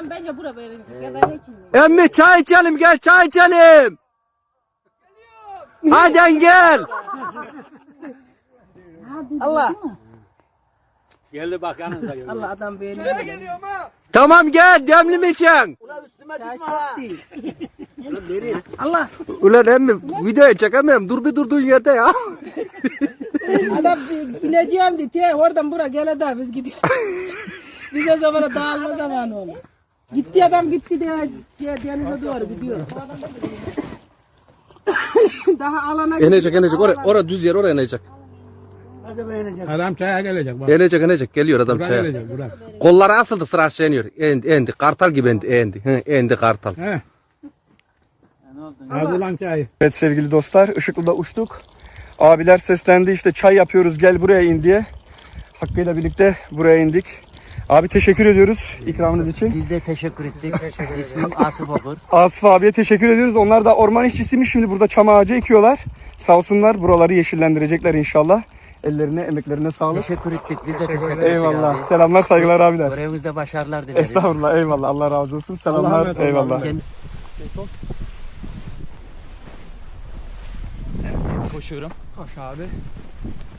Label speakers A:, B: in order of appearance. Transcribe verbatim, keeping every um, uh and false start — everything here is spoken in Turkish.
A: Adam bence bura böyle. Ya ben için.
B: Emmi çay içelim, gel çay içelim. Hadi gel.
A: Allah.
C: Geldi bak yanınıza geldi.
A: Allah adam beğeniyor.
B: Tamam gel, demli mi içen?
A: Çay çok değil. Allah.
B: Ulan emmi videoya çekemem. Dur bir durduğun yerde ya.
A: Adam ineceğim diye te, oradan bura gele daha biz gidiyoruz. Biz o zamana dağılma zamanı olur. Gitti adam gitti diye şey, denize doğru gidiyor. Daha alana
B: İnecek inecek oraya, oraya düz yer oraya inecek.
C: Adam çaya gelecek bak.
B: İnecek inecek geliyor adam
C: Buraya
B: çaya.
C: gelecek buraya.
B: Kolları asıldı sıra aşağı iniyor. Endi, endi. Kartal gibi endi, endi. Hı, endi kartal.
C: He. Hazırlan çayı.
D: Evet sevgili dostlar, Işıklı'da uçtuk. Abiler seslendi, işte çay yapıyoruz, gel buraya in diye. Hakkı'yla birlikte buraya indik. Abi teşekkür ediyoruz ikramınız için.
E: Biz de teşekkür ettik. İsmim Asif Okur.
D: Asif abiye teşekkür ediyoruz. Onlar da orman işçisiymiş, şimdi burada çam ağacı ekiyorlar. Sağ olsunlar, buraları yeşillendirecekler inşallah. Ellerine, emeklerine sağlık.
E: Teşekkür ettik. Biz de teşekkür ettik.
D: Eyvallah.
E: abi.
D: Selamlar, saygılar abiler.
E: Görevimizde başarılar dileriz.
D: Estağfurullah, eyvallah. Allah razı olsun. Selamlar,
C: emanet
D: eyvallah.
E: Kendi-
F: Koşuyorum.
D: Koş abi.